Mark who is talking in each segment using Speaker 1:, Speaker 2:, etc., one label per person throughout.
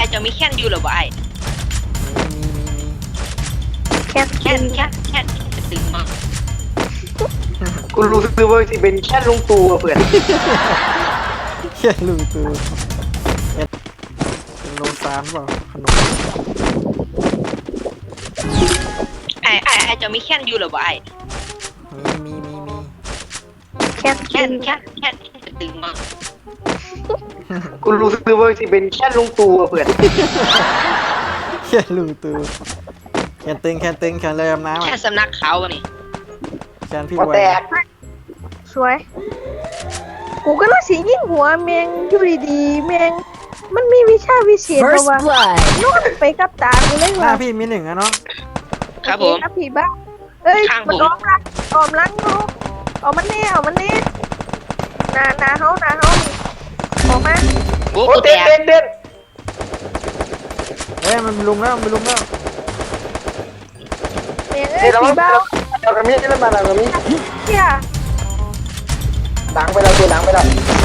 Speaker 1: จะมีแค่นอยู่หรือเปล่าไอ้แค่นจะตึงมาก
Speaker 2: กูรู้สึกว่าที่เป็นแค่ลุงตู่เพื่อน
Speaker 3: แค่ลุงตู่เป็นโลซานเปล่าขนม
Speaker 1: ไอ้จะมีแค่นอยู่หรือเปล่าไอ้
Speaker 3: มี
Speaker 1: แค่นจะตึงมาก
Speaker 2: กูรู้สึกว่าที่เป็นแค่ลุงตู่เพื่อน
Speaker 3: แค่ลุงตู่แคนตึงแคนเลยน้ำ
Speaker 1: แค่สำนักเขาอะนี่
Speaker 3: แคนพี่
Speaker 2: พอ
Speaker 3: ไว
Speaker 2: แตก
Speaker 4: สวยกูก็เลยสียิงหัวแมงอยู่ดีๆแมงมันมีวิชาวิเศษเพราะว่านอนไปกับตากูเลย
Speaker 3: หน้า
Speaker 4: ว่า
Speaker 3: พี่มีหนึ่งอะเนาะ
Speaker 1: ครับผม
Speaker 4: ครับพี่บ้าเอ้ย
Speaker 1: ข้างผม
Speaker 4: มันออมลังเนาะเอามันแน่นาเฮานี่ออกมา
Speaker 1: โอ้
Speaker 2: โอ้
Speaker 1: กูแต
Speaker 2: เต้น
Speaker 1: ก
Speaker 2: เต้น
Speaker 3: เอ้ยมันลุมแล้ว
Speaker 4: แมงเอ้
Speaker 2: เต้
Speaker 4: ย
Speaker 2: นแล้ว
Speaker 4: พี่บ้า
Speaker 2: เรากระมีเต้นมาเรากระมี
Speaker 4: เฮีย
Speaker 2: ล้างไปแล้วตัวล้างไปแล้ว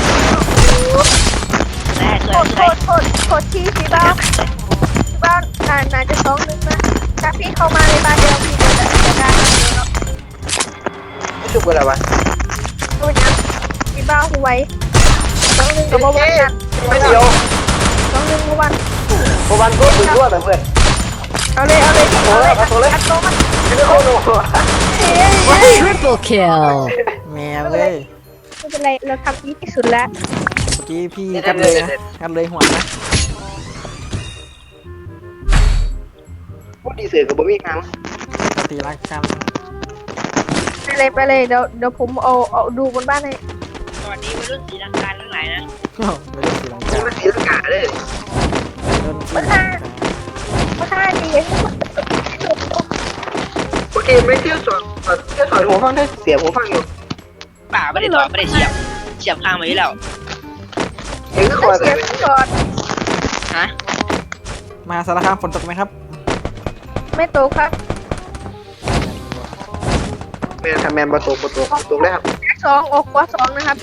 Speaker 1: ได้ส
Speaker 4: โท
Speaker 1: วย
Speaker 4: ษที่พี่บ้าน่าจะ2-1นะถ้าพี่เข้ามาในบ้านเดียวพี่จะได้เนาะ
Speaker 2: ไม่ชุบกันแล้ววะ
Speaker 4: ตัวนี้พี่บ้าหูไว้2-1กับวันนั้น
Speaker 2: ไม่เดียว
Speaker 4: 2-1กับวัน
Speaker 2: พอวันก็ถึงด้วยเพื่อน
Speaker 4: เอาเลยอัดโตมัน
Speaker 2: ไม่ได้โคโน่
Speaker 5: Triple kill.
Speaker 3: แมวเลย
Speaker 4: ไม่เป็นไรเราทำดีที่สุดแล้ว
Speaker 3: เมื่อกี้พี่กัดเลยนะกัดเลยหัวนะ
Speaker 2: พูดดีเสือกับบ่มีครั้ง
Speaker 3: ตีรักกัน
Speaker 4: ไปเลยเดี๋ยวผมเอาดูบนบ้านให้
Speaker 1: สวัสดีวัยรุ่นศรีลังกาทั้งหลายนะ
Speaker 3: โอ้ไม่ได้สีลัง
Speaker 2: นี่
Speaker 3: กา
Speaker 2: มันสีลังกาเลย
Speaker 3: เริ่มสีลังกา
Speaker 4: มาฆ่าดี
Speaker 2: โอเคไม่เที่ยวสอนหัวฟังได้เสียหัวฟังอยู่
Speaker 1: ป่าไม่ได้ถอดไม่ได้เฉียบข้างมาอยู่แล้ว
Speaker 2: เองก็คอย
Speaker 4: เสียงก่อน
Speaker 1: ฮะ
Speaker 3: มาสารคามฝนตกไหมครับ
Speaker 4: ไม่โตครับ
Speaker 2: แมนทำแมนประตูเลยครับ
Speaker 4: 2ออกกว่า2นะครับ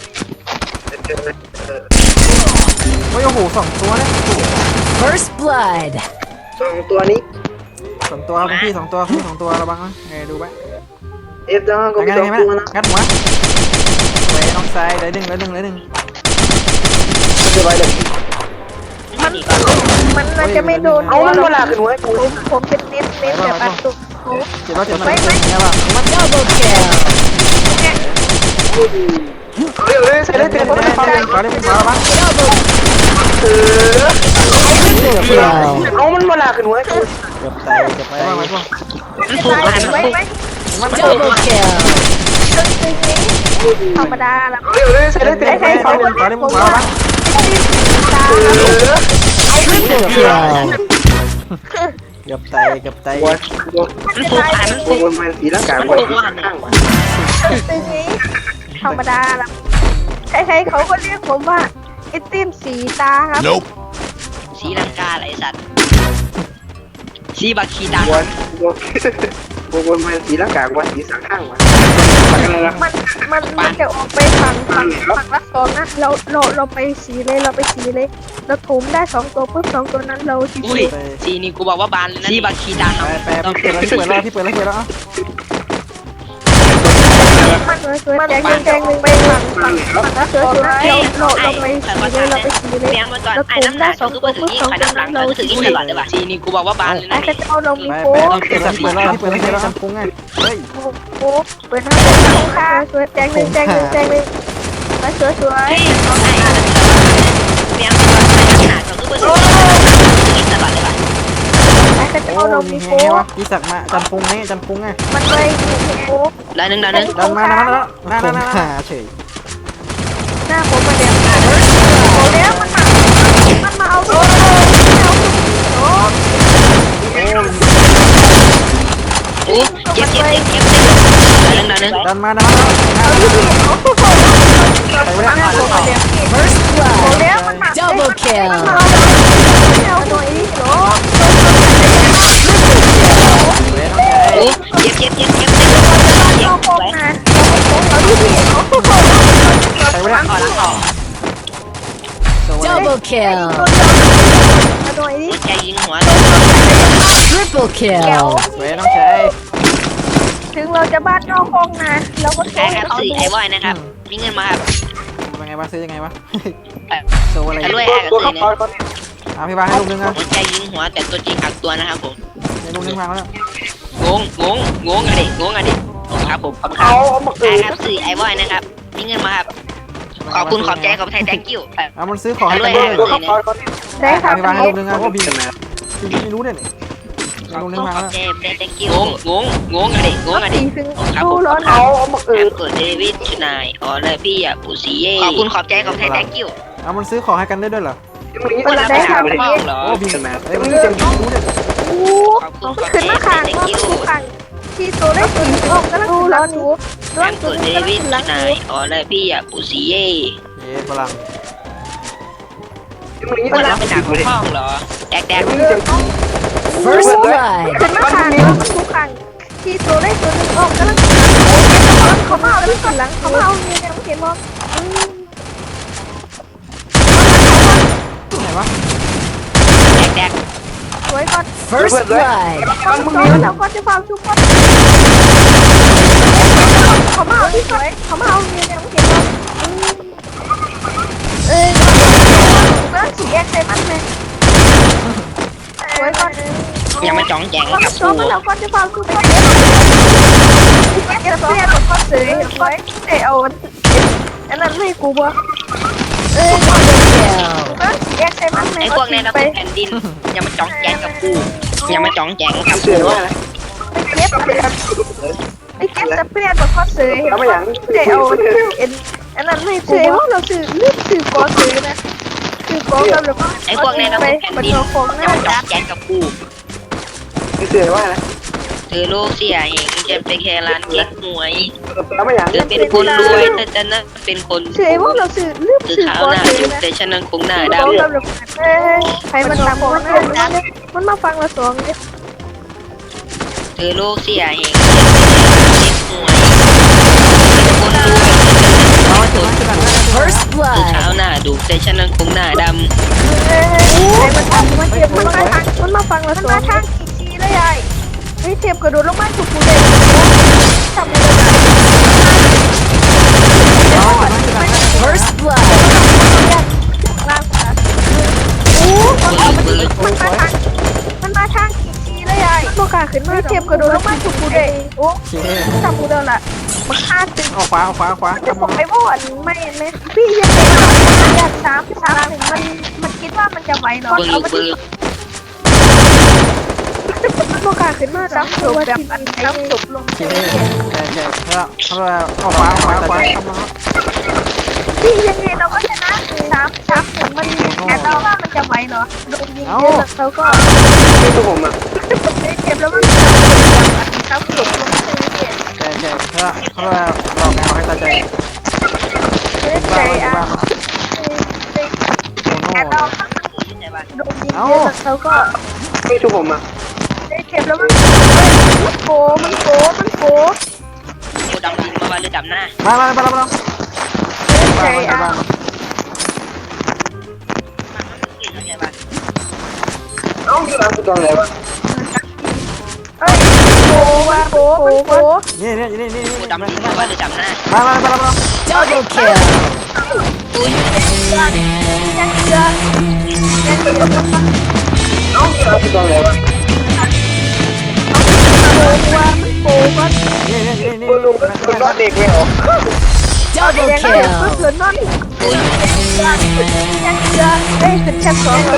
Speaker 3: โอ้ยโอ้โห2 ตัวเนี่ย
Speaker 5: First blood.
Speaker 2: สองตัวนี้
Speaker 3: 2 ตัวครับพี่2 ตัวพี่2 ตัวระวังนะดูไว้
Speaker 2: เอฟจังก็มี
Speaker 3: งัด
Speaker 2: สอง
Speaker 3: ไง
Speaker 2: ตัวนะ
Speaker 3: งัดหัวไว้น้องซ้ายได้ดึง
Speaker 2: ไม่ได้ไว้เลย
Speaker 4: มันน่าจะไม่โดน
Speaker 2: เอามันเวลาขึ้นหัวกู
Speaker 4: ผมเป็นเน้นแบบอัดตุก
Speaker 3: เจ็บมันเนี่ยป่ะมัน
Speaker 5: Double kill.
Speaker 2: เร็วเลยใส่เลยเต็ม
Speaker 3: ขอได้ขอระวัง
Speaker 2: เออ
Speaker 5: Triple kill.
Speaker 2: เอามันเวลาขึ้นหัวกู
Speaker 3: เกือบตายมาช่วง
Speaker 1: มันผูกอะไรมัน
Speaker 4: ไว้
Speaker 1: ผูก
Speaker 4: ไหม
Speaker 5: Double kill.
Speaker 4: ธรรมดาละ
Speaker 2: เร็วเลยใส่เลยเต็ม
Speaker 3: ขอได้ขอระวัง
Speaker 5: Triple kill.
Speaker 3: เกือบตาย
Speaker 2: หัว
Speaker 1: มันผูกอะไรมัน
Speaker 2: พวกมันสีร่างกายมันข้างวะ
Speaker 4: ตึงนี้ธรรมดาละใครๆเขาก็เรียกผมว่าไอติมสีตาครับ
Speaker 1: ศรีลังกาอะไรสัตว์สีบักขีตา
Speaker 2: พวกมันสีร่างกายว่าสีสังข้างวะ
Speaker 4: มันจะออกไปฝั่งละ2นะเราไปสีเลยเราถมได้2ตัวปุ๊บ2ตัวนั้นเราชิ
Speaker 1: อุ้ยว สีนี่กูบอกว่าบานเลยนะสีบักขีตาครับ
Speaker 3: ไปพี่เปิดแล้วพี่เปิดแล้ว
Speaker 4: มันแจงหนึ่งไปฝั่งละเสือเราไปสีเลย
Speaker 1: เลี้ยงมาก่อนไอ้น้ำหนักก็ถึงยิ่งไอ้น้ำหลังก็ถึงยิ่งตลอดเลยว่ะสีนี่กูบอกว่าบานเลย
Speaker 4: ไอ้
Speaker 1: นะ
Speaker 4: กระเจ้าเรามี
Speaker 3: ไป
Speaker 4: โป๊ะ
Speaker 3: เปิดแล้วทำปุ้งไงเฮ้ย
Speaker 4: โป๊ะเปิดหน้าค่ะสวยแจงหนึ่งมาสวย
Speaker 1: เฮ้ยเขาไอ้เลี้ยงมาก่อนไอ้น้ำหนักก็ถึงยิ่งตลอดเลยว่ะ
Speaker 4: ไอ้กระเจ้าเรามี
Speaker 3: มี
Speaker 4: โป๊ะ
Speaker 3: วะพี่สักมาจันปุ้งไง
Speaker 4: มันเลยมีโป๊ะ
Speaker 1: แล้วนึง
Speaker 3: ดันมาเฉย
Speaker 4: หน้าผมมาเดี๋ยวโอ้แล้วมันมาเอาโอ้
Speaker 1: โอ้เจ็บแล้วนึง
Speaker 3: ดันมา
Speaker 5: First
Speaker 4: โอ้
Speaker 5: blood.
Speaker 4: แล้วมันมา
Speaker 5: Double kill.
Speaker 4: เอาหน่อยโอ้
Speaker 1: โอ้เจ็บ
Speaker 4: เราโป๊ะนะเราดูดิโอ้โห
Speaker 3: ไปไม่ได้
Speaker 1: ออก
Speaker 5: Double kill.
Speaker 4: มาหน่อยอยดิ
Speaker 1: หัวใจยิงหัว
Speaker 5: Triple
Speaker 4: แก้ว
Speaker 5: kill.
Speaker 3: สวยน้องชาย
Speaker 4: ถึงเราจะบ้านนอกห้องนะเราก็โช
Speaker 1: ใช่
Speaker 4: ว์
Speaker 1: ค
Speaker 4: ให้
Speaker 1: รับ
Speaker 4: เขา
Speaker 1: สื่อ
Speaker 4: ดู
Speaker 1: ไอวอยนะครับ มีเงินมาครับ
Speaker 3: เป็นไงวะซื้อยังไงวะ
Speaker 1: เอ่อ
Speaker 3: โซอะไร
Speaker 1: รวย
Speaker 2: ตัวขับถอยก่อน
Speaker 3: พี่บาให้ลูกนึงอ่ะ
Speaker 1: หัวใจยิงหัวแต่ตัวจริงหักตัวนะครับผม
Speaker 3: ให้ลูกนึงวางแล้ว
Speaker 1: งงอะดิครับผมขอบคุณครั
Speaker 2: เอา
Speaker 1: บ
Speaker 2: มา
Speaker 1: ใช่
Speaker 2: เกิด
Speaker 1: ครับสื่อไอวอยนะครับ มีเงินมาครับ ขอบคุณขอบใจขอบใจ thank you
Speaker 3: เอามันซื้อของให้กัน
Speaker 1: รวย
Speaker 3: ด้วย
Speaker 2: ตัวขับถอยก่อน
Speaker 4: ได้ครับ
Speaker 3: พี่บาให้
Speaker 4: พี่
Speaker 3: ลูกนึงอ่ะโอ้พี่ไม่รู้เนี่ย
Speaker 1: ขอบ
Speaker 3: ลูก
Speaker 1: คุ
Speaker 3: นึ
Speaker 1: ณ
Speaker 3: งวาง
Speaker 1: ขอบ
Speaker 3: แล้ว
Speaker 1: ใจ thank you งงอะดิ
Speaker 4: สีถึง
Speaker 1: ครับ
Speaker 4: ดู
Speaker 1: ผม
Speaker 4: ร้อน
Speaker 2: เอามาเกิ
Speaker 1: แอ
Speaker 2: ด
Speaker 1: มเกิดเดวิดชนายอ๋อเลยพี่อ่ะปูซีเย่ขอบคุณขอบใจขอบใจ thank you
Speaker 3: เอามันซื้อของให้กันได้ด้วยเหรอ
Speaker 2: มึงนี่
Speaker 1: คนละ
Speaker 2: ได้
Speaker 1: ไป
Speaker 2: ค
Speaker 1: หา
Speaker 2: รับ
Speaker 1: พ่อเหรอ
Speaker 3: โอ้พี่เอ้ยมันจะรู้เนี่ย
Speaker 4: โอ้มันขึ้นมาขางว่ามันดูขางที่ตัวได้สีออกก็แล้วดูร้อนอยู่
Speaker 1: แอ
Speaker 4: ร้อน
Speaker 1: ม
Speaker 4: ตัว
Speaker 1: เกิด
Speaker 4: นี้
Speaker 1: เด
Speaker 4: ก็
Speaker 1: วิด
Speaker 4: ขึ้น
Speaker 1: ช
Speaker 4: หลัง
Speaker 1: นา
Speaker 4: อย ยู่
Speaker 1: อ๋อเลยพี่อ่ะปูซีเย่
Speaker 3: เย้ฝรั่ง
Speaker 2: มึงนี่
Speaker 1: คนละ
Speaker 2: ได้
Speaker 1: ไปหาพ่อเหรอแดก
Speaker 2: มึงจะ
Speaker 5: First blood.
Speaker 4: ขึ้นมาขางว่ามันดูขางที่ตัวได้ตัวนึงออกก็แล้วเขามาเอาแล้วขึ้นหลังเขามาเอาเนี่ยยังไม่เห็นมอง
Speaker 3: ไหนวะ
Speaker 1: แดก
Speaker 4: สวยก่อน
Speaker 5: First blood.
Speaker 4: เราก็จะฟังทุกคนเขามาเอาที่สวยเขามาเอาเนี่ยยังไม่เห็นมองแล้วสีแดงใส่มันเลยสวยก่อน
Speaker 1: อย่ามาจ้องแจง
Speaker 4: ก็
Speaker 1: กับ
Speaker 4: ชอ
Speaker 1: กู
Speaker 4: บเราก็จะฟังทุกคนเดี๋ยวเสียกับคนสวยสวยเดี๋ยวอันนั้นให้กูบ่
Speaker 5: Kill.
Speaker 4: สีแดงใส่มันเลย
Speaker 1: ไอ้พวกในระบบแผ่นดินอย่ามาจ้องแจงกับกูอย่ามาจ้องแจงกับ
Speaker 2: เสื
Speaker 1: กู
Speaker 2: อว่าอะไร
Speaker 4: เก็บไอ้เก็บสเปรย์กับคนสวยเดี๋ยวอันนั้นให้กูว่าเราซื้อลืมซื้อกอซื้อนะซื้อกอกับแล้วก็
Speaker 1: ไอ้พวกในระบบแผ่น
Speaker 4: มัน
Speaker 1: ดิน
Speaker 4: เอาของ
Speaker 1: อย่า
Speaker 4: นะ
Speaker 1: มาจ้องแจงกับกู
Speaker 2: เสือว่าอะไร
Speaker 1: เธอลูกเสียเองจะไปแค่ร้านเก๊กหวย
Speaker 2: แล้วไม่อย่าง
Speaker 1: เธอเป็นคนรวยแต่ฉันนั้นเป็นคน
Speaker 4: เฉยว่าเราซื้อลืม
Speaker 1: คือ
Speaker 4: ซื้อ
Speaker 1: ขาว
Speaker 4: กอ
Speaker 1: หน้า
Speaker 4: ซื้
Speaker 1: อยู่
Speaker 4: อนะ
Speaker 1: แต่ฉันนั้นคงหน้า
Speaker 4: ซื้อ
Speaker 1: ด
Speaker 4: กอกับแล้วใครมันทำของมันมาฟังเราสองเนี่ย
Speaker 1: ำเธอลูกเสียเองจะไปแค่ร้านเก๊กหวยเป็นคนรวยแต่ฉันนั้นเป็นคน
Speaker 5: First
Speaker 1: คือ
Speaker 5: blood.
Speaker 1: ขาวหน้าดูแต่ฉันนั้นคงหน้าด
Speaker 4: ใครมันทำมันเทียบมันมาฟังเราสองมันมาทางอีกทีเลยยายเฮ้ยเทียบกระโดดลงมาถูกกูเลยทำเลย
Speaker 5: First blood.
Speaker 4: ล่างค่ะโอ้มันมาทางอีกทีเลยยายโมกาขึ้นมาเทียบกระโดดลงมาถูกกูเลยโอ้
Speaker 3: โอเค
Speaker 4: ทำกูเดินละมันฆ่าตึง
Speaker 3: เอาขวา
Speaker 4: จะบอกไอ้บ่อนไม่พี่ยังไงอยาก3 มันคิดว่ามันจะไหวเหรอ
Speaker 1: ำเบิกเบิก
Speaker 4: โมกาขึ้นมาซ้ำศพแบบอันซ้ำศพลง
Speaker 3: โอเคแก่แล้วเอาขวาทำมา
Speaker 4: พี่ยังไงเราก็ชนะ3-1มันแต่เราว่ามันจะไหวเหรอโดนยิงเยอะเราก็
Speaker 2: นี่ตัวผมอ่ะ
Speaker 4: เจ็บแล้วมันซ้ำศพลง
Speaker 3: แก่แล้วเขาบอกไงเอาให้ตาใจ
Speaker 4: ใจอ่ะ
Speaker 3: โอ้โห
Speaker 4: แต่เราโดนยิงเยอะเราก็
Speaker 2: นี่ตัวผมอ่ะ
Speaker 4: เจ็บแล้วมันโก
Speaker 1: กูดำดินมาว่าหรือดำหน้า
Speaker 3: มา
Speaker 4: ใจอ่ะ
Speaker 2: เอ้าที่ร้านกูจองอะไรวะ
Speaker 4: เอ้ยโก
Speaker 3: นี่
Speaker 1: กูดำดินมาว่าหรือดำหน้า
Speaker 3: มา
Speaker 5: Double kill.
Speaker 4: ยังเยอะ
Speaker 2: เอ้าที่ร้านกูจองอะไรวะ
Speaker 4: โกก็
Speaker 3: นี่
Speaker 2: กูลุงคนรอดเด็กไม่ออก
Speaker 5: Double
Speaker 4: ยังเยอะ
Speaker 5: kill.
Speaker 4: เพื่อนนอนยังเยอะได้ถึงชั้น2แล้ว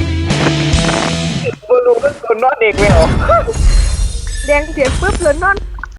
Speaker 2: กูลุงคนรอดเด็กไม่ออก
Speaker 4: แดงเสียงปุ๊บเพื่อนนอน